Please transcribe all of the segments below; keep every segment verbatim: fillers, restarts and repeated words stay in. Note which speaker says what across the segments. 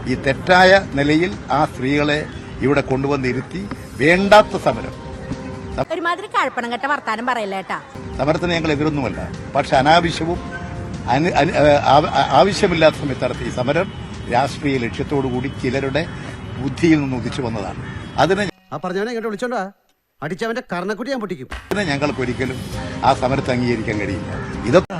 Speaker 1: ഈ തെറ്റായ നിലയിൽ ആ സ്ത്രീകളെ ഇവിടെ കൊണ്ടുവന്നിരുത്തി വേണ്ടാത്ത സമരം.
Speaker 2: ഒരുമാതിരി കഴപ്പണം കെട്ട വർത്താനം പറയില്ലേട്ടാ.
Speaker 1: സമരത്തിന് ഞങ്ങൾ എതിരൊന്നുമല്ല. പക്ഷെ അനാവശ്യവും ആവശ്യമില്ലാത്ത സമയത്ത് നടത്തിയ സമരം രാഷ്ട്രീയ ലക്ഷ്യത്തോടുകൂടി ചിലരുടെ ബുദ്ധിയിൽ നിന്ന് ഉദിച്ചു വന്നതാണ്. അതിന്
Speaker 3: വിളിച്ചോണ്ടാ അടിച്ചവന്റെ കർണക്കുട്ടി ഞാൻ പൊട്ടിക്കും.
Speaker 1: അതിന് ഞങ്ങൾക്ക് ഒരിക്കലും ആ സമരത്തെ അംഗീകരിക്കാൻ കഴിയില്ല. ഇതൊക്കെ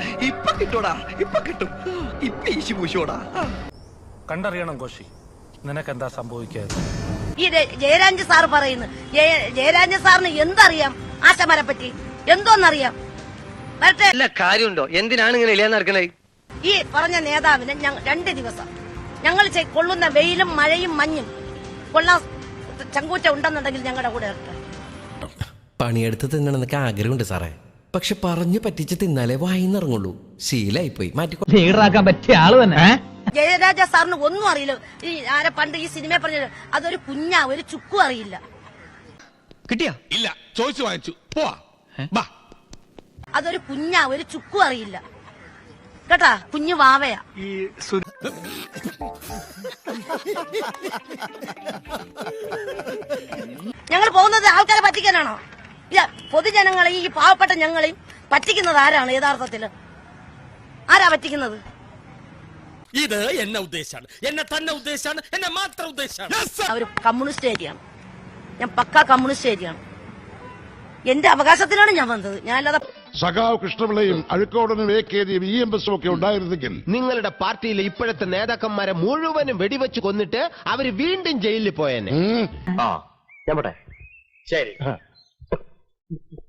Speaker 4: കണ്ടറിയണം കോശി, നിനക്കെന്താ സംഭവിക്കാതെ.
Speaker 2: ഈ ജയരാജ് സാർ പറയുന്നു, ജയരാജ് സാറിന് എന്തറിയാം ആശമാരെ പറ്റി, എന്തോന്നറിയാം?
Speaker 5: കാര്യമുണ്ടോ? എന്തിനാണ് ഇങ്ങനെ ഇല്ലാന്ന് നടക്കണേ?
Speaker 2: ഈ പറഞ്ഞ നേതാവിന് രണ്ട് ദിവസം ഞങ്ങൾ കൊള്ളുന്ന വെയിലും മഴയും മഞ്ഞും കൊള്ളാൻ ചങ്കൂറ്റ ഉണ്ടെന്നുണ്ടെങ്കിൽ ഞങ്ങളുടെ കൂടെ
Speaker 6: പണിയെടുത്ത് തിന്നണമെന്നൊക്കെ ആഗ്രഹമുണ്ട് സാറേ. പക്ഷെ പറഞ്ഞു പറ്റിച്ച് തിന്നാലേ വായിന്നിറങ്ങുള്ളൂ. ശീലായിപ്പോയി. മാറ്റിക്കാൻ
Speaker 5: പറ്റിയ ആള് തന്നെ.
Speaker 2: ജയരാജ സാറിന് ഒന്നും അറിയില്ല. ഈ ആരെ പണ്ട് ഈ സിനിമ പറഞ്ഞത് അതൊരു കുഞ്ഞാ, ഒരു ചുക്കും അറിയില്ല.
Speaker 5: കിട്ടിയാ?
Speaker 7: ഇല്ല, ചോദിച്ചു വാങ്ങിച്ചു.
Speaker 2: അതൊരു കുഞ്ഞാ, ഒരു ചുക്കും അറിയില്ല കേട്ടാ. കുഞ്ഞു വാവയാ. ഞങ്ങൾ പോകുന്നത് ആൾക്കാരെ പറ്റിക്കാനാണോ? ഇല്ല, പൊതുജനങ്ങളെയും ഈ പാവപ്പെട്ട ഞങ്ങളെയും പറ്റിക്കുന്നത് ആരാണ് യഥാർത്ഥത്തില്? ആരാ പറ്റിക്കുന്നത്?
Speaker 7: ഇത് എന്നെ ഉദ്ദേശാണ്, എന്നെ തന്നെ ഉദ്ദേശാണ്, എന്നെ മാത്രം ഉദ്ദേശാണ്.
Speaker 2: അവര് കമ്മ്യൂണിസ്റ്റ് ഏരിയയാണ്, ഞാൻ പക്കാ കമ്മ്യൂണിസ്റ്റ് ഏരിയയാണ്. എന്റെ അവകാശത്തിനാണ് ഞാൻ വന്നത്. ഞാനല്ലാതെ
Speaker 8: സഖാവ് കൃഷ്ണപിള്ളയും അഴുക്കോടനും എ കെ ജിയും ഇ എം എസും ഒക്കെ ഉണ്ടായിരുന്നെങ്കിൽ
Speaker 5: നിങ്ങളുടെ പാർട്ടിയിലെ ഇപ്പോഴത്തെ നേതാക്കന്മാരെ മുഴുവനും വെടിവെച്ച് കൊന്നിട്ട് അവര് വീണ്ടും ജയിലിൽ പോയെന്നെ. ആ ഞാൻ പോട്ടെ. ശരി.